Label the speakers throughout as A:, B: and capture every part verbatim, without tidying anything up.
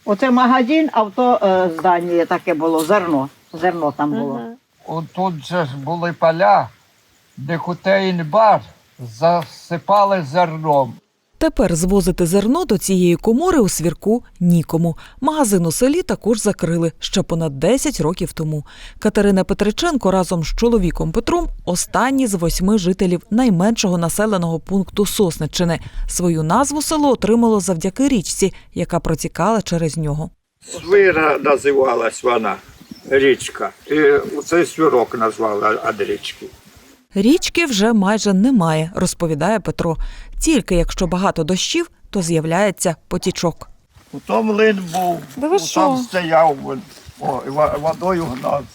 A: Оце магазин, а в то е, здання таке було, зерно. Зерно там було.
B: Ага. От тут же ж були поля, де котейн-бар засипали зерном.
C: Тепер звозити зерно до цієї комори у Свірку нікому. Магазин у селі також закрили ще понад десять років тому. Катерина Петриченко разом з чоловіком Петром – останні з восьми жителів найменшого населеного пункту Сосниччини. Свою назву село отримало завдяки річці, яка протікала через нього.
B: Свира називалась вона, річка. І оцей свірок назвали від річки.
C: Річки вже майже немає, розповідає Петро. Тільки якщо багато дощів, то з'являється потічок.
B: У тому млин був,
D: Да ви
B: у
D: що?
B: там стояв, о, і ва- водою гнав.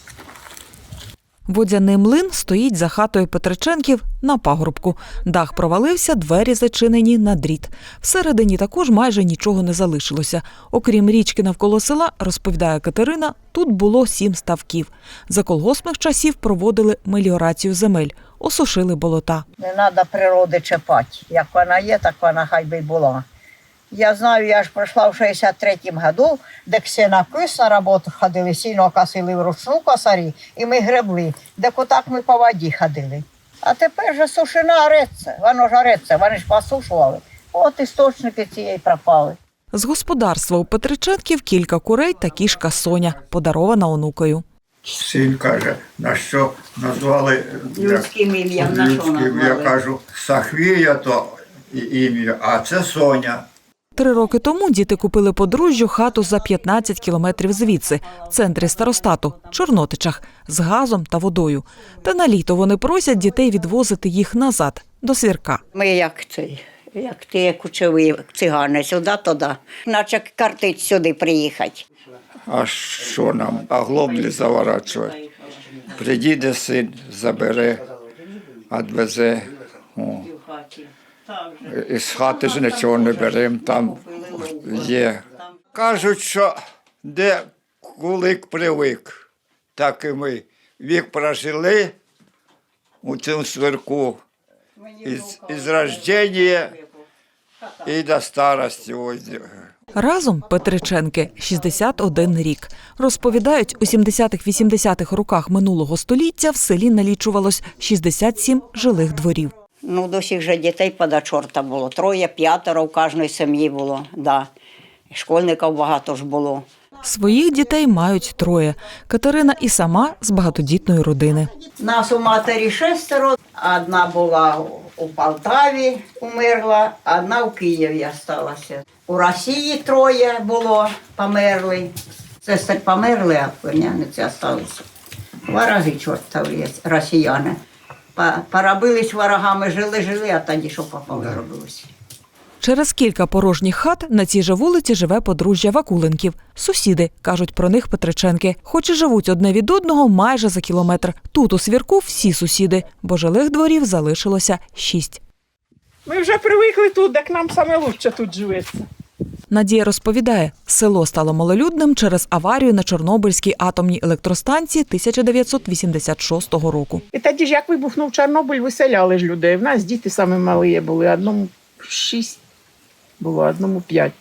C: Водяний млин стоїть за хатою Петриченків на пагорбку. Дах провалився, двері зачинені на дріт. Всередині також майже нічого не залишилося. Окрім річки навколо села, розповідає Катерина, тут було сім ставків. За колгоспних часів проводили меліорацію земель, осушили болота.
A: Не треба природи чіпати. Як вона є, так вона хай би й була. Я знаю, я ж пройшла в шістдесят третьому году, де ксенокис на роботу ходили, сильно косили вручну косарі, і ми гребли, де отак ми по воді ходили. А тепер же сушина ореться, воно ж ореться, вони ж посушували. От істочники цієї пропали.
C: З господарства у Петриченків кілька курей та кішка Соня, подарована онукою.
B: Син каже, на що назвали
A: Людським ім'ям, на що
B: людським, я
A: назвали?
B: кажу, Сахвія то і- ім'я, а це Соня.
C: Три роки тому діти купили подружжю хату за п'ятнадцять кілометрів звідси, в центрі старостату, Чорнотичах, з газом та водою. Та на літо вони просять дітей відвозити їх назад, до Свірка.
A: Ми як цей, як ті кучові цигани, сюди-туди. Наче картить сюди приїхати.
B: А що нам? А глоблі заворачувати. Приїде син, забере, відвезе. О. Із хати ж нічого не беремо, там є. Кажуть, що де кулик привик, так і ми. Вік прожили у цьому Свірку із, із рождення і до старості. Ось.
C: Разом Петриченки – шістдесят один рік. Розповідають, у сімдесятих-вісімдесятих роках минулого століття в селі налічувалось шістдесят сім жилих дворів.
A: Ну, до всіх же дітей пода чорта було. Троє, п'ятеро в кожній сім'ї було, да. Школьників багато ж було.
C: Своїх дітей мають троє. Катерина і сама з багатодітної родини.
A: Нас у матері шестеро. Одна була у Полтаві, умерла, одна в Києві залишилася. У Росії троє було, померли. Сестри померли, а племянниці залишилися. Вороги чортові, росіяни. По- Поробились ворогами, жили-жили, а тоді що попало робилося.
C: Через кілька порожніх хат на цій же вулиці живе подружжя Вакуленків. Сусіди, кажуть про них Петриченки. Хоч і живуть одне від одного майже за кілометр. Тут у Свірку всі сусіди, бо жилих дворів залишилося шість.
D: Ми вже привикли тут, так нам саме лучше тут живеться.
C: Надія розповідає, село стало малолюдним через аварію на Чорнобильській атомній електростанції тисяча дев'ятсот вісімдесят шостого року.
D: І тоді ж, як вибухнув Чорнобиль, виселяли ж людей. В нас діти саме малі були, одному шість було, одному п'ять.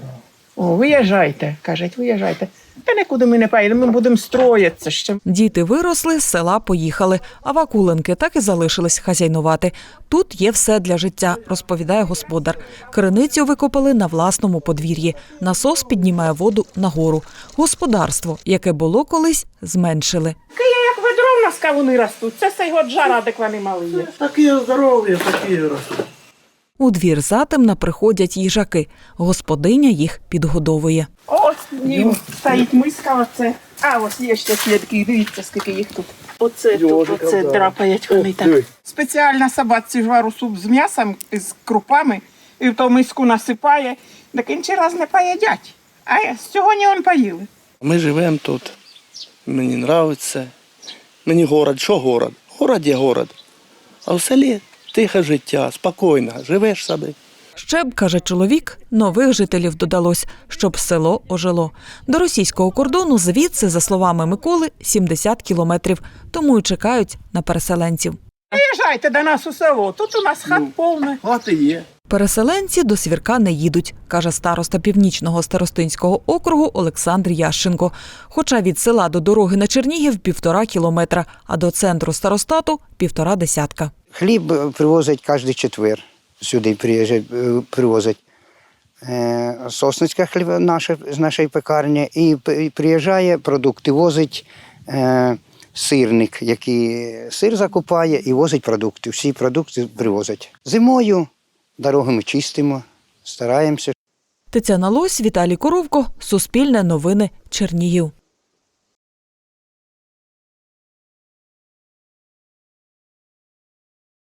D: О, виїжджайте, кажуть, виїжджайте. Та нікуди ми не поїдемо, ми будемо строїтися ще.
C: Діти виросли, з села поїхали, а Вакуленки так і залишились хазяйнувати. Тут є все для життя, розповідає господар. Криницю викопали на власному подвір'ї. Насос піднімає воду нагору. Господарство, яке було колись, зменшили.
D: Киє, як ведро в нас кавуни ростуть. Це цей от жара, де вони мали є.
E: Такі здорові, такі ростуть.
C: У двір затемна приходять їжаки. Господиня їх підгодовує.
D: Ось ні, стоїть миска, оце. А, ось є ще слідки, дивіться, скільки їх тут. Оце тут,
E: Йожика,
D: оце
E: да.
D: драпають вони
E: Ох
D: так.
E: ти.
D: Спеціально собаці ж вару суп з м'ясом, з крупами, і в ту миску насипає, так інші раз не поїдять. А сьогодні он поїли.
E: Ми живемо тут. Мені подобається. Мені город, що город? Город є город. А в селі тихе життя, спокійно, живеш собі.
C: Ще б, каже чоловік, нових жителів додалось, щоб село ожило. До російського кордону звідси, за словами Миколи, сімдесят кілометрів, тому й чекають на переселенців.
D: Приїжджайте до нас у село, тут у нас хат повне.
E: Хати є.
C: Переселенці до Свірка не їдуть, каже староста Північного старостинського округу Олександр Ященко. Хоча від села до дороги на Чернігів півтора кілометра, а до центру старостату – півтора десятка.
F: Хліб привозять кожен четвер. Сюди приїжджають, е, привозять. Е, Сосницька хліб наша, з нашої пекарні. І п- приїжджає, продукти возить е, сирник, який сир закупає і возить продукти. Всі продукти привозять. Зимою дороги ми чистимо, стараємося.
C: Тетяна Лось, Віталій Коровко, Суспільне новини, Чернігів.